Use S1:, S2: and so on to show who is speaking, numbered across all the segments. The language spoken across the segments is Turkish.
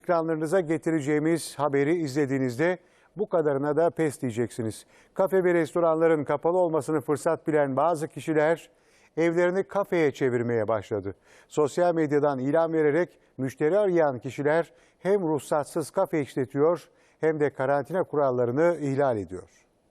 S1: Ekranlarınıza getireceğimiz haberi izlediğinizde bu kadarına da pes diyeceksiniz. Kafe ve restoranların kapalı olmasını fırsat bilen bazı kişiler evlerini kafeye çevirmeye başladı. Sosyal medyadan ilan vererek müşteri arayan kişiler hem ruhsatsız kafe işletiyor hem de karantina kurallarını ihlal ediyor.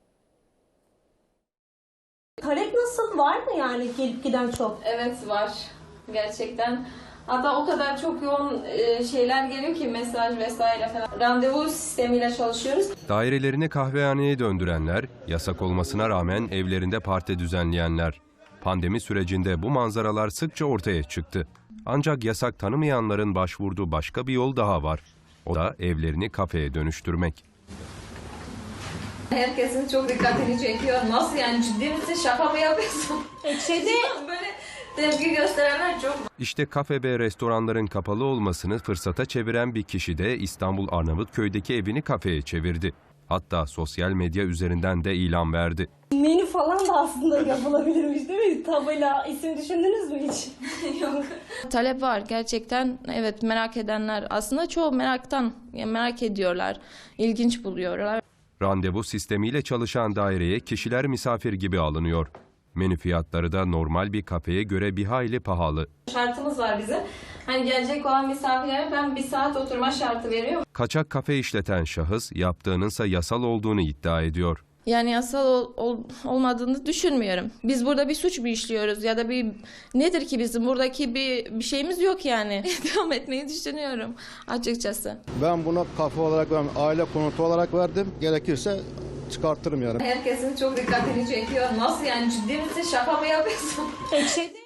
S2: Talep nasıl? Var mı yani gelip giden çok?
S3: Evet var. Gerçekten. Hatta o kadar çok yoğun şeyler geliyor ki mesaj vesaire falan. Randevu sistemiyle çalışıyoruz.
S4: Dairelerini kahvehaneye döndürenler, yasak olmasına rağmen evlerinde parti düzenleyenler. Pandemi sürecinde bu manzaralar sıkça ortaya çıktı. Ancak yasak tanımayanların başvurduğu başka bir yol daha var. O da evlerini kafeye dönüştürmek.
S3: Herkesin çok dikkatini çekiyor. Nasıl yani, ciddi misin, şaka mı yapıyorsun? Böyle tepki gösterenler çok.
S4: İşte kafe ve restoranların kapalı olmasını fırsata çeviren bir kişi de İstanbul Arnavutköy'deki evini kafeye çevirdi. Hatta sosyal medya üzerinden de ilan verdi.
S2: Menü falan da aslında yapılabilirmiş değil mi? Tabela, isim düşündünüz mü hiç?
S3: Yok.
S5: Talep var gerçekten. Evet, merak edenler aslında çoğu merak ediyorlar. İlginç buluyorlar.
S4: Randevu sistemiyle çalışan daireye kişiler misafir gibi alınıyor. Menü fiyatları da normal bir kafeye göre bir hayli pahalı.
S3: Şartımız var bizim. Hani gelecek olan misafirlere ben 1 saat oturma şartı veriyorum.
S4: Kaçak kafe işleten şahıs yaptığınınsa yasal olduğunu iddia ediyor.
S5: Yani yasal olmadığını düşünmüyorum. Biz burada bir suç mu işliyoruz ya da nedir ki bizim buradaki bir şeyimiz yok yani. Devam etmeyi düşünüyorum açıkçası.
S6: Ben buna kafe olarak, aile konutu olarak verdim. Gerekirse çıkartırım yani.
S3: Herkesin çok dikkatini çekiyor. Nasıl yani, ciddi misin, şaka mı yapıyorsun?